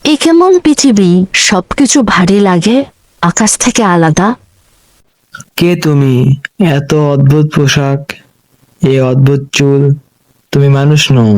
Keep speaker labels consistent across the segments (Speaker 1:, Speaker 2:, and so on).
Speaker 1: এ কেমন পৃথিবী, সবকিছু ভারী লাগে, আকাশ থেকে আলাদা।
Speaker 2: কে তুমি? এত অদ্ভুত পোশাক, এই অদ্ভুত চুল, তুমি মানুষ নও।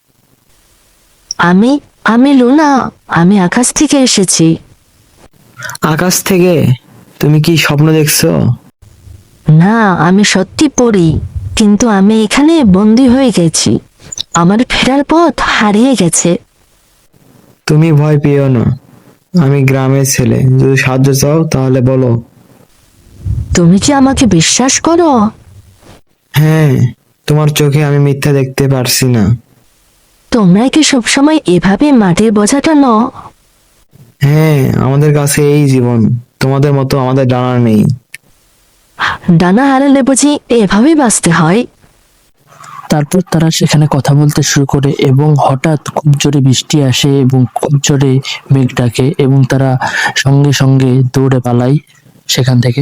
Speaker 1: আমি আমি লুনা, আমি আকাশ থেকে এসেছি।
Speaker 2: আকাশ থেকে? তুমি কি স্বপ্ন দেখছো?
Speaker 1: না, আমি সত্যি পড়ি, কিন্তু আমি এখানে বন্দি হয়ে গেছি। আমার ফেরার পথ হারিয়ে গেছে।
Speaker 2: তুমি ভয় পেও না, আমি গ্রামের ছেলে, যদি সাহায্য চাও তাহলে বলো।
Speaker 1: তুমি কি আমাকে বিশ্বাস করো?
Speaker 2: হ্যাঁ, তোমার চোখে আমি মিথ্যা দেখতে পারছি না।
Speaker 1: তোমরা কি সবসময় এভাবে মাটির বোঝা টানো?
Speaker 2: হ্যাঁ, আমাদের কাছে এই জীবন, তোমাদের মতো আমাদের ডানা নেই।
Speaker 1: ডানা হারালে বুঝি এভাবেই বাঁচতে হয়?
Speaker 3: তারপর তারা সেখানে কথা বলতে শুরু করে এবং হঠাৎ খুব জোরে বৃষ্টি আসে এবং খুব জোরে মেঘ ডাকে এবং তারা সঙ্গে সঙ্গে দৌড়ে পালায় সেখান থেকে।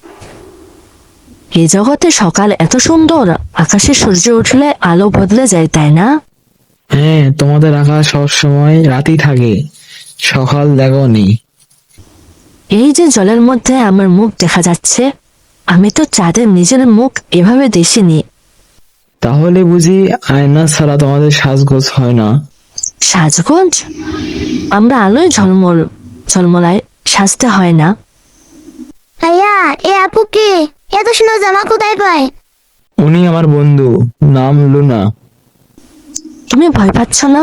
Speaker 1: এই জগতে সকাল এত সুন্দর, আকাশে সূর্য উঠলে আলো বদলে যায়, তাই না?
Speaker 2: হ্যাঁ, তোমাদের আকাশ সবসময় রাতই থাকে, সকাল দেখো নি।
Speaker 1: এই যে জলের মধ্যে আমার মুখ দেখা যাচ্ছে, আমি তো চাঁদের নিজের মুখ এভাবে দেখিনি।
Speaker 2: তাহলে বুঝি আয়না ছাড়া তোমাদের সাজগোজ হয় না?
Speaker 1: সাজগোজ? আমরা আলোয় ঝলমলায় সাজতে হয় না।
Speaker 4: ভাইয়া, এ আপু কে? এত সুন্দর জামা কোথায় পায়?
Speaker 2: উনি আমার বন্ধু, নাম লুনা।
Speaker 1: তুমি ভয় পাচ্ছ না?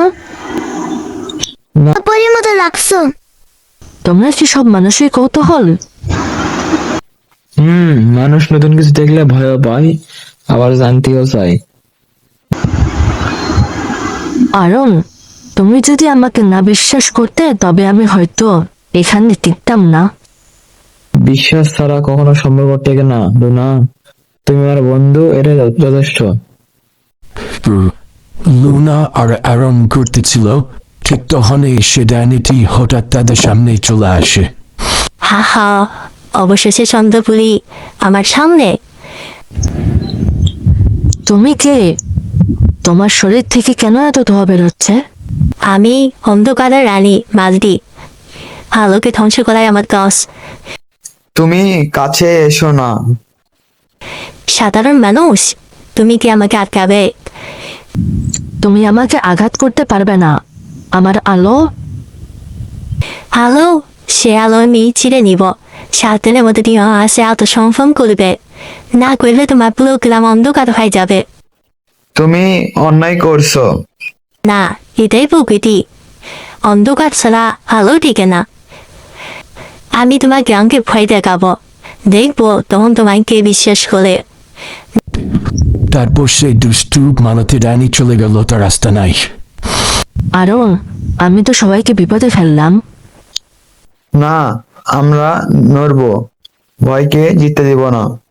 Speaker 4: পরীর মতো লাগছো।
Speaker 1: তোমরা কি সব মানুষই কৌতূহল?
Speaker 2: মানুষ নতুন কিছু দেখলে ভয় পায়, আবার জানতেও চায়।
Speaker 1: আরন, তুমি যদি আমাকে না বিশ্বাস করতে তবে আমি হয়তো এখানে টিকতাম না।
Speaker 2: বিশ্বাস ছাড়া কখনো সম্পর্ক টেকে না লুনা, তুমি আমার বন্ধু, এটা যথেষ্ট।
Speaker 5: লুনা আর অ্যারন ঘুরতেছিল, ঠিক তখনই সে ডাইনিটি হঠাৎ তাদের সামনে চলে আসে।
Speaker 4: হা হা, অবশেষে চন্দ্রপুরী আমার সামনে।
Speaker 1: তুমি কে? তোমার শরীর থেকে কেন এত ধোয়া বেরোচ্ছে?
Speaker 4: আমি অন্ধকারের রানী মালদি, আলোকে ধ্বংস করাই আমার কাজ।
Speaker 2: তুমি কাছে এসো না।
Speaker 4: সাধারণ মানুষ, তুমি কি আমাকে আটকাবে?
Speaker 1: তুমি আমাকে আঘাত করতে পারবে না। আমার আলো।
Speaker 4: আলো? সে আলো আমি ছিঁড়ে নিব। 7 দিনের মধ্যে তুমি আসে আত্মসংফম করবে, না করলে তোমার পুরো গ্রাম অন্ধকার হয়ে যাবে।
Speaker 2: তুমি অন্যায় করছো।
Speaker 4: না, এটাই প্রকৃতি, অন্ধকার ছাড়া আলো টিকে না। আমি তোমার গ্রামকে ভয় দেখাবো, দেখবো তখন তোমায় কে বিশ্বাস করে।
Speaker 5: তারপর সেই দুষ্টু মালতী ডাইনি চলে গেল তার রাস্তা নাই।
Speaker 1: আরন, আমি তো সবাইকে বিপদে ফেললাম।
Speaker 2: না, আমরা নড়বো, ভয়কে জিততে দিব না।